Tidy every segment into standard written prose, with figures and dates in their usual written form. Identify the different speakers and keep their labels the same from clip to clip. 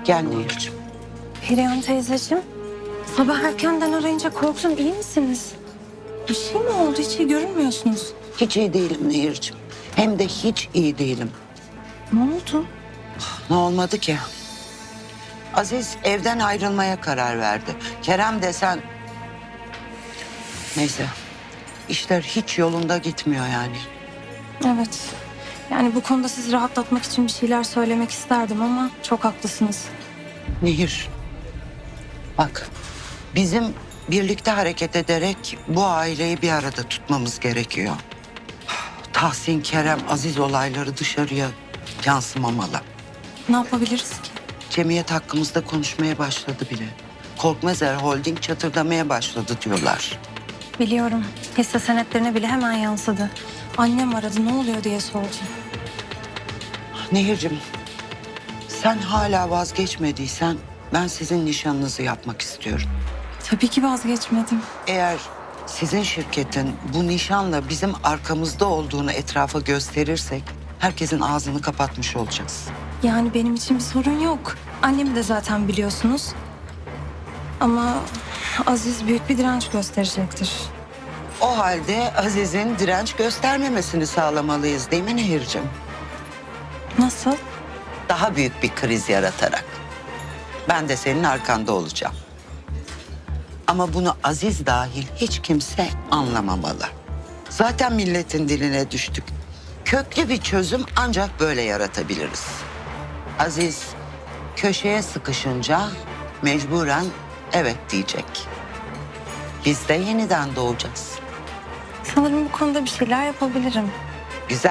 Speaker 1: Gel Nehir'cim.
Speaker 2: Perihan teyzeciğim, sabah erkenden arayınca korktum. İyi misiniz? Bir şey mi oldu? Hiç iyi görünmüyorsunuz.
Speaker 1: Hiç iyi değilim Nehir'cim. Hem de hiç iyi değilim.
Speaker 2: Ne oldu?
Speaker 1: Ne olmadı ki? Aziz evden ayrılmaya karar verdi. Kerem desen... Neyse. İşler hiç yolunda gitmiyor yani.
Speaker 2: Evet. Yani bu konuda sizi rahatlatmak için bir şeyler söylemek isterdim ama çok haklısınız.
Speaker 1: Nehir. Bak. Bizim birlikte hareket ederek bu aileyi bir arada tutmamız gerekiyor. Tahsin, Kerem, Aziz olayları dışarıya yansımamalı.
Speaker 2: Ne yapabiliriz ki?
Speaker 1: Cemiyet hakkımızda konuşmaya başladı bile. Korkmazer Holding çatırdamaya başladı diyorlar.
Speaker 2: Biliyorum. Hisse senetlerine bile hemen yansıdı. Annem aradı, ne oluyor diye sordu.
Speaker 1: Nehir'cim, sen hala vazgeçmediysen ben sizin nişanınızı yapmak istiyorum.
Speaker 2: Tabii ki vazgeçmedim.
Speaker 1: Eğer sizin şirketin bu nişanla bizim arkamızda olduğunu etrafa gösterirsek herkesin ağzını kapatmış olacağız.
Speaker 2: Yani benim için bir sorun yok. Annemi de zaten biliyorsunuz. Ama Aziz büyük bir direnç gösterecektir.
Speaker 1: O halde Aziz'in direnç göstermemesini sağlamalıyız değil mi Nehir'cim?
Speaker 2: Nasıl?
Speaker 1: Daha büyük bir kriz yaratarak. Ben de senin arkanda olacağım. Ama bunu Aziz dahil hiç kimse anlamamalı. Zaten milletin diline düştük. Köklü bir çözüm ancak böyle yaratabiliriz. Aziz köşeye sıkışınca mecburen evet diyecek. Biz de yeniden doğacağız.
Speaker 2: Sanırım bu konuda bir şeyler yapabilirim.
Speaker 1: Güzel.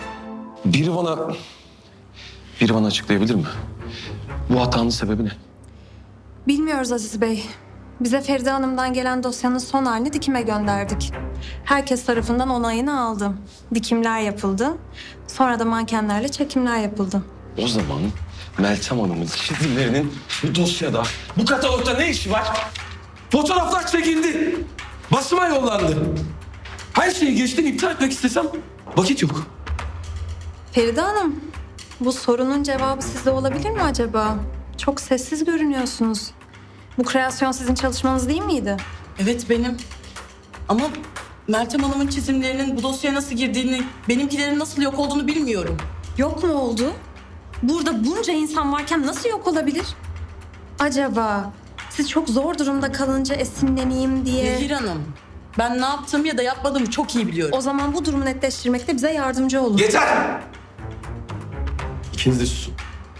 Speaker 3: Biri bana açıklayabilir mi? Bu hatanın sebebi ne?
Speaker 2: Bilmiyoruz Aziz Bey. Bize Feride Hanım'dan gelen dosyanın son halini dikime gönderdik. Herkes tarafından onayını aldım. Dikimler yapıldı. Sonra da mankenlerle çekimler yapıldı.
Speaker 3: O zaman Meltem Hanım'ın çizimlerinin bu dosyada, bu katalogda ne işi var? Fotoğraflar çekildi. Basıma yollandı. Her şeyi geçtim, iptal etmek istesem vakit yok.
Speaker 2: Feride Hanım, bu sorunun cevabı sizde olabilir mi acaba? Çok sessiz görünüyorsunuz. Bu kreasyon sizin çalışmanız değil miydi?
Speaker 4: Evet benim. Ama Meltem Hanım'ın çizimlerinin bu dosyaya nasıl girdiğini, benimkilerin nasıl yok olduğunu bilmiyorum.
Speaker 2: Yok mu oldu? Burada bunca insan varken nasıl yok olabilir? Acaba siz çok zor durumda kalınca esinleneyim diye...
Speaker 4: Nehir Hanım, ben ne yaptığımı ya da yapmadığımı çok iyi biliyorum.
Speaker 2: O zaman bu durumu netleştirmekte bize yardımcı olun.
Speaker 3: Yeter! İkiniz de susun.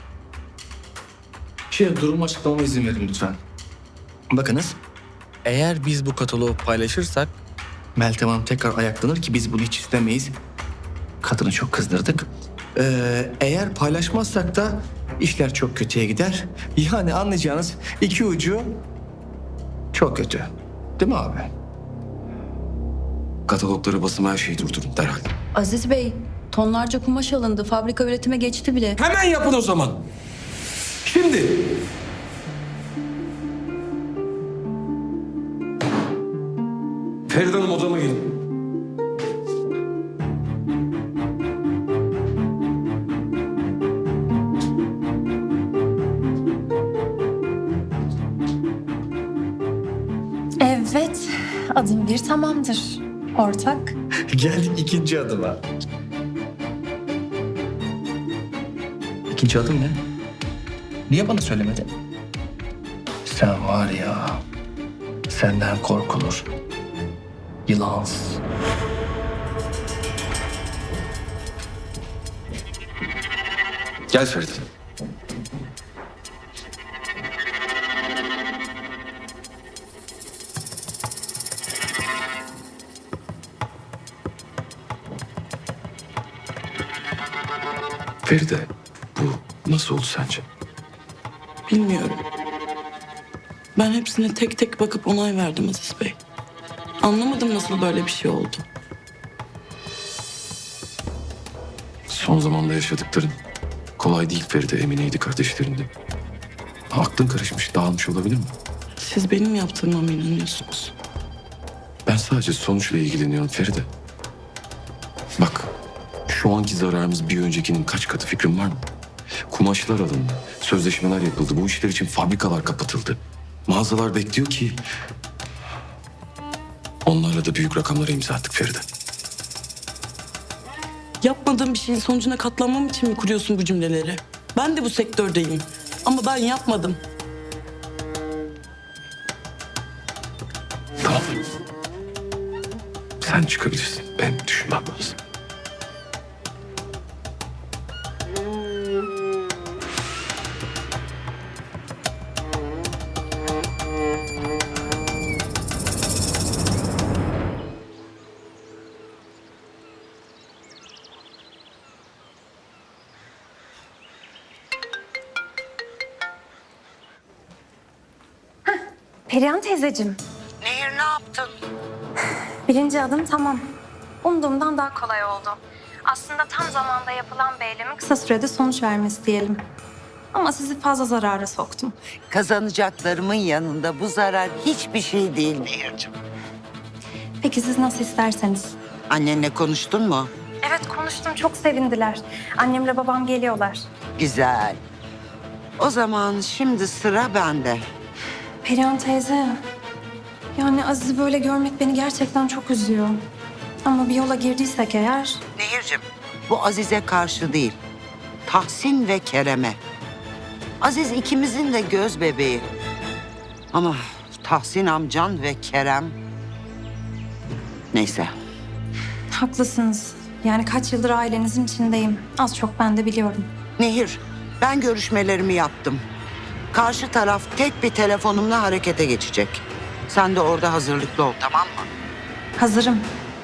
Speaker 5: Durumu açıklamama izin verin lütfen. Bakınız, eğer biz bu kataloğu paylaşırsak Meltem Hanım tekrar ayaklanır ki biz bunu hiç istemeyiz. Kadını çok kızdırdık. Eğer paylaşmazsak da işler çok kötüye gider. Yani anlayacağınız iki ucu çok kötü. Değil mi abi?
Speaker 3: Katalogları, basıma, her şeyi durdurun derhal.
Speaker 6: Aziz Bey, tonlarca kumaş alındı. Fabrika üretime geçti bile.
Speaker 3: Hemen yapın o zaman. Şimdi. Feride Hanım, odama gelin.
Speaker 2: Evet, adım bir tamamdır. Ortak.
Speaker 5: Geldik ikinci adıma. İkinci adım ne? Niye bana söylemedin? Sen var ya, senden korkulur. Yılansın.
Speaker 3: Gel Feride. Feride, bu nasıl oldu sence?
Speaker 4: Bilmiyorum. Ben hepsine tek tek bakıp onay verdim Aziz Bey. Anlamadım nasıl böyle bir şey oldu.
Speaker 3: Son zamanda yaşadıkların kolay değil Feride, Emine'ydi kardeşlerinde. Aklın karışmış, dağılmış olabilir mi?
Speaker 4: Siz benim yaptığıma mı inanıyorsunuz?
Speaker 3: Ben sadece sonuçla ilgileniyorum Feride. Bak, şu anki zararımız bir öncekinin kaç katı, fikrin var mı? Kumaşlar alındı. Sözleşmeler yapıldı. Bu işler için fabrikalar kapatıldı. Mağazalar bekliyor ki... Onlarla da büyük rakamlara imza attık Feride.
Speaker 4: Yapmadığım bir şeyin sonucuna katlanmam için mi kuruyorsun bu cümleleri? Ben de bu sektördeyim. Ama ben yapmadım.
Speaker 3: Tamam. Sen çıkabilirsin. Benim düşünmem lazım.
Speaker 2: Perihan teyzeciğim,
Speaker 1: Nehir ne yaptın?
Speaker 2: birinci adım tamam. Umduğumdan daha kolay oldu. Aslında tam zamanda yapılan bir eylemin kısa sürede sonuç vermesi diyelim. Ama sizi fazla zarara soktum.
Speaker 1: Kazanacaklarımın yanında bu zarar hiçbir şey değil Nehir'cim.
Speaker 2: Peki siz nasıl isterseniz.
Speaker 1: Annenle konuştun mu?
Speaker 2: Evet konuştum, çok sevindiler. Annemle babam geliyorlar.
Speaker 1: Güzel. O zaman şimdi sıra bende.
Speaker 2: Perihan teyze, yani Aziz'i böyle görmek beni gerçekten çok üzüyor. Ama bir yola girdiysek eğer...
Speaker 1: Nehir'cim bu Aziz'e karşı değil. Tahsin ve Kerem'e. Aziz ikimizin de göz bebeği. Ama Tahsin amcan ve Kerem... Neyse.
Speaker 2: Haklısınız. Yani kaç yıldır ailenizin içindeyim. Az çok ben de biliyorum.
Speaker 1: Nehir, ben görüşmelerimi yaptım. Karşı taraf tek bir telefonumla harekete geçecek. Sen de orada hazırlıklı ol, tamam mı?
Speaker 2: Hazırım.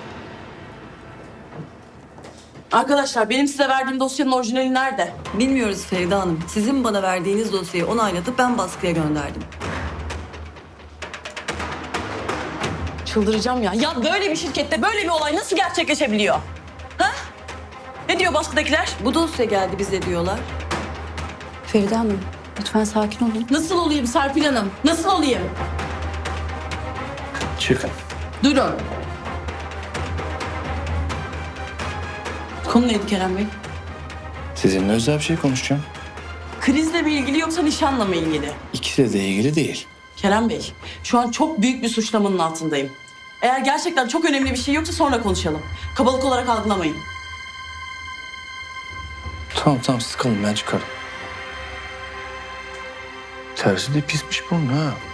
Speaker 4: Arkadaşlar benim size verdiğim dosyanın orijinali nerede?
Speaker 6: Bilmiyoruz Feride Hanım. Sizin bana verdiğiniz dosyayı onaylatıp ben baskıya gönderdim.
Speaker 4: Çıldıracağım ya. Ya böyle bir şirkette böyle bir olay nasıl gerçekleşebiliyor? Ha? Ne diyor baskıdakiler?
Speaker 6: Bu dosya geldi bize diyorlar. Feride Hanım lütfen sakin olun.
Speaker 4: Nasıl olayım Serpil Hanım? Nasıl olayım?
Speaker 5: Çıkın.
Speaker 4: Durun. Konu neydi Kerem Bey?
Speaker 5: Sizinle özel bir şey konuşacağım.
Speaker 4: Krizle mi ilgili yoksa nişanla mı ilgili?
Speaker 5: İkisi de ilgili değil.
Speaker 4: Kerem Bey, şu an çok büyük bir suçlamanın altındayım. Eğer gerçekten çok önemli bir şey yoksa sonra konuşalım. Kabalık olarak algılamayın.
Speaker 5: Tamam siz kalın, ben çıkarım. Tersi de pismiş bunun ha.